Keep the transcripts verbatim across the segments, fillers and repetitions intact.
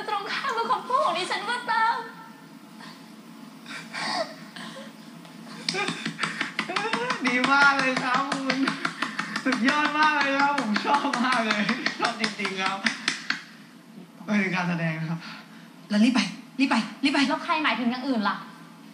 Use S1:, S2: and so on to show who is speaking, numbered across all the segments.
S1: ตรงข้ามกับคำพูดของดิฉันก็ตาม
S2: ดีมากเลยครับคุณสุดยอดมากเลยครับผมชอบมากเลยชอบจริงๆครับเป็นการแสดงนะครับ
S3: แล้วรีบไปรีบไปรีบไป
S1: แล้วใครหมายถึงอย่างอื่นล่ะ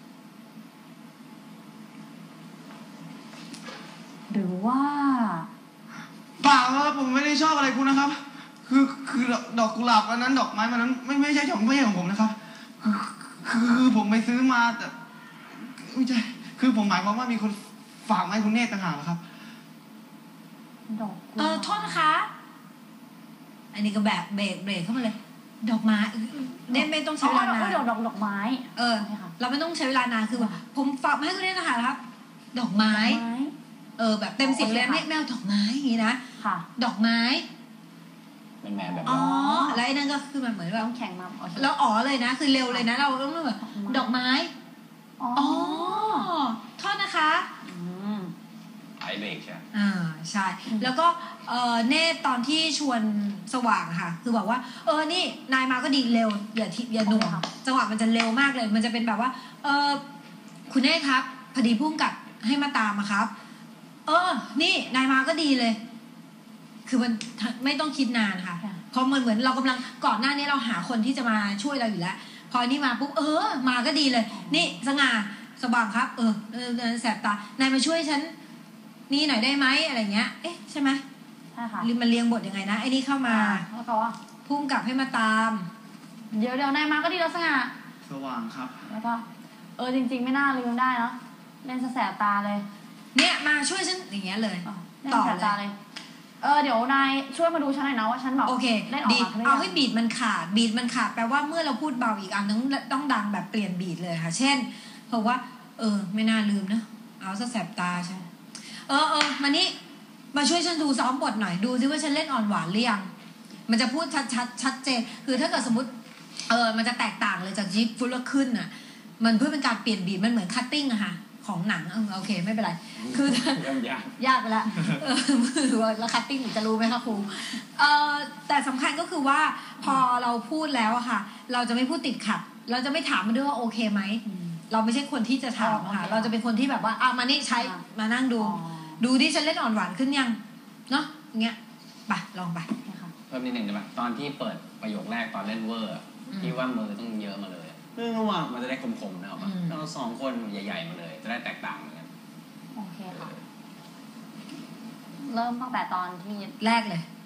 S1: หรือว่า
S2: เปล่าครับผมไม่ได้ชอบอะไรคุณนะครับคือคือดอกกุหลาบอันนั้นดอกไม้มันนั้นไม่ไม่ใช่ของไม่ใช่ของผมนะครับคือคือคือผมไปซื้อมาแต่ไม่ใช่คือผมหมายความว่ามีคนฝากมาให้คุณเนตรต่างหากครับ
S1: ดอก
S3: เออโทษนะคะอันนี้ก็แบบเบรกเบรกเข้ามาเลยดอกไม้เนี่ยไม่ต้องใช้เวลานาน
S1: ดอกดอกดอกไม้
S3: เออเราไม่ต้องใช้เวลานานคือแบบผมฝากมาให้คุณเนตรนะคะครับดอกไม้เออแบบเต็มเสียงเลยไม่แมวดอกไม้อย่างนี้นะ
S1: ค่ะ
S3: ดอกไม้
S4: เป็นแมวแบบ
S3: อ๋อแล้วไอ้นั่นก็คือมันเหมือนแบบ
S1: ต้องแข่งมา
S3: แล้วอ๋อเลยนะคือเร็วเลยนะเราต้องแบบดอกไม้อ๋อโทษนะคะ
S4: ไอเบรกใช่
S3: อ่าใช่แล้วก็เออเน่ตอนที่ชวนสว่างค่ะคือบอกว่าเออนี่นายมาก็ดีเร็วอย่าทิอย่าหน่วงจังหวะมันจะเร็วมากเลยมันจะเป็นแบบว่าเออคุณเน่ครับพอดีพุ่งกับให้มาตามอะครับเออนี่นายมาก็ดีเลยคือมันไม่ต้องคิดนานค่ะเพราะมันเหมือนเรากำลังก่อนหน้านี้เราหาคนที่จะมาช่วยเราอยู่แล้วพอนี่มาปุ๊บเออมาก็ดีเลยนี่สง่าสว่างครับเออเออแสบตานายมาช่วยฉันนี่หน่อยได้ไหมอะไรเงี้ยเอ๊ะใช่ไหม
S1: ใช่ค่ะ
S3: มันเรียงบทยังไงนะไอ้นี่เข้ามา
S1: แล้วก็ว่า
S3: พุ่งกลับให้มาตาม
S1: เดี๋ยวเดี๋ยวนายมาก็ดีแล้วสง่า
S2: สว่างครับ
S1: แล้วก็เออจริงๆไม่น่าลืมได้เนาะเล่นแสบตาเลย
S3: เนี่ยมาช่วยฉันอย่างเงี้ยเลย
S1: ต่อเลยเออเดี๋ยวนายช่วยมาดูฉันหน่อยนะว่าฉันแบบ
S3: โอเคดีเอาให้บีดมันขาดบีดมันขาดแปลว่าเมื่อเราพูดเบาอีกอันนึงต้องดังแบบเปลี่ยนบีดเลยค่ะเช่นบอกว่าเออไม่น่าลืมนะเอาซะแสบตาใช่เออเออมานี่มาช่วยฉันดูซ้อมบทหน่อยดูซิว่าฉันเล่นอ่อนหวานหรือยังมันจะพูดชัดชัดชัดเจนคือถ้าเกิดสมมติเออมันจะแตกต่างเลยจากจิ๊บฟุตแล้วขึ้นอ่ะมันเพื่อเป็นการเปลี่ยนบีดมันเหมือนคัตติ้งอะค่ะของหนังเออโอเคไม่เป็นไรคือยากยากไปแล้วเออมือแล้วคัตติ้งจะรู้ไหมคะครูเออแต่สำคัญก็คือว่าพอเราพูดแล้วอะค่ะเราจะไม่พูดติดขัดเราจะไม่ถามมันด้วยว่าโอเคไหมเราไม่ใช่คนที่จะถามค่ะเราจะเป็นคนที่แบบว่าเอามานี่ใช้มานั่งดูดูที่ฉันเล่นอ่อนหวานขึ้นยังเนาะอย่างเงี้ยไปลองไป
S4: เพิ่มนิดหนึ่งได้ไหมตอนที่เปิดประโยคแรกตอนเล่นเวอร์ที่ว่ามือต้องเยอะมาเลยเรื่องว่ามันจะได้คมๆนะว่าเราสองคนใหญ่ๆมาเลยจะได้แตกต่างกัน
S1: โอเคค่ะเริ่มตั้งแต่ตอนที่
S3: แรกเลย